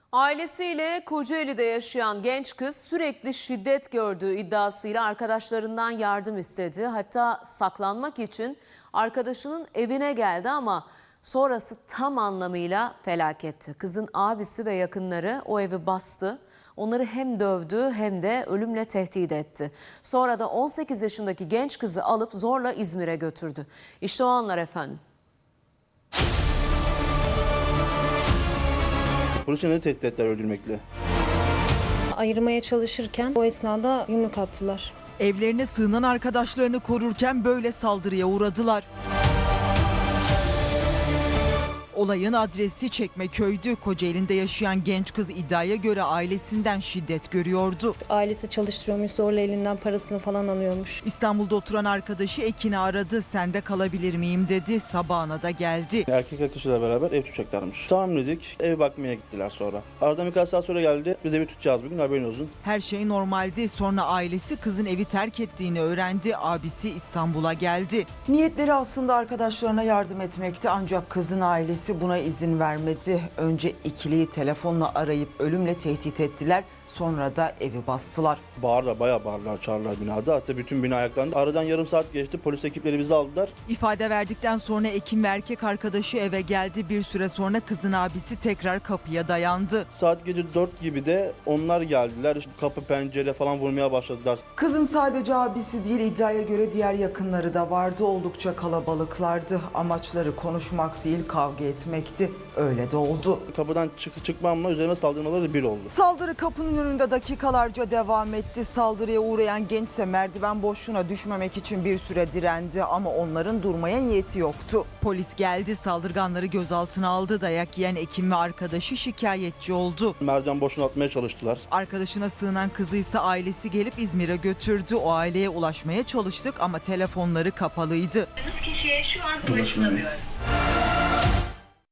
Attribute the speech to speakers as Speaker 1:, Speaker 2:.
Speaker 1: Ailesiyle Kocaeli'de yaşayan genç kız sürekli şiddet gördüğü iddiasıyla arkadaşlarından yardım istedi. Hatta saklanmak için arkadaşının evine geldi ama sonrası tam anlamıyla felaketti. Kızın abisi ve yakınları o evi bastı. Onları hem dövdü hem de ölümle tehdit etti. Sonra da 18 yaşındaki genç kızı alıp zorla İzmir'e götürdü. İşte o anlar efendim.
Speaker 2: Polis yine de tehdit ettiler öldürmekle.
Speaker 3: Ayırmaya çalışırken o esnada yumruk attılar.
Speaker 4: Evlerine sığınan arkadaşlarını korurken böyle saldırıya uğradılar. Olayın adresi Çekmeköy'dü. Kocaeli'nde yaşayan genç kız iddiaya göre ailesinden şiddet görüyordu.
Speaker 3: Ailesi çalıştırıyormuş, zorla elinden parasını falan alıyormuş.
Speaker 4: İstanbul'da oturan arkadaşı Ekin'i aradı. Sende kalabilir miyim dedi. Sabahına da geldi.
Speaker 2: Erkek arkadaşıyla beraber ev tutacaklarmış. Tamam dedik, ev bakmaya gittiler sonra. Aradan birkaç saat sonra geldi. Biz evi tutacağız bugün, haberin olsun.
Speaker 4: Her şey normaldi. Sonra ailesi kızın evi terk ettiğini öğrendi. Abisi İstanbul'a geldi. Niyetleri aslında arkadaşlarına yardım etmekti ancak kızın ailesi buna izin vermedi. Önce ikiliyi telefonla arayıp ölümle tehdit ettiler. Sonra da evi bastılar.
Speaker 2: Bayağı bağırdılar, çağırdılar binada. Hatta bütün bina ayaklandı. Aradan yarım saat geçti, polis ekipleri bizi aldılar.
Speaker 4: İfade verdikten sonra Ekim ve erkek arkadaşı eve geldi. Bir süre sonra kızın abisi tekrar kapıya dayandı.
Speaker 2: Saat gece 4 gibi de onlar geldiler. İşte kapı, pencere falan vurmaya başladılar.
Speaker 4: Kızın sadece abisi değil, iddiaya göre diğer yakınları da vardı. Oldukça kalabalıklardı. Amaçları konuşmak değil, kavga etmekti. Öyle de oldu.
Speaker 2: Kapıdan çıkmamla üzerime saldırmaları bir oldu.
Speaker 4: Saldırı kapının önünde dakikalarca devam etti. Saldırıya uğrayan gençse merdiven boşluğuna düşmemek için bir süre direndi ama onların durmaya niyeti yoktu. Polis geldi, saldırganları gözaltına aldı. Dayak yiyen Ekim ve arkadaşı şikayetçi oldu.
Speaker 2: Merdiven boşuna atmaya çalıştılar.
Speaker 4: Arkadaşına sığınan kızıysa ailesi gelip İzmir'e götürdü. O aileye ulaşmaya çalıştık ama telefonları kapalıydı.
Speaker 5: Kişiye şu an ulaşılamıyor.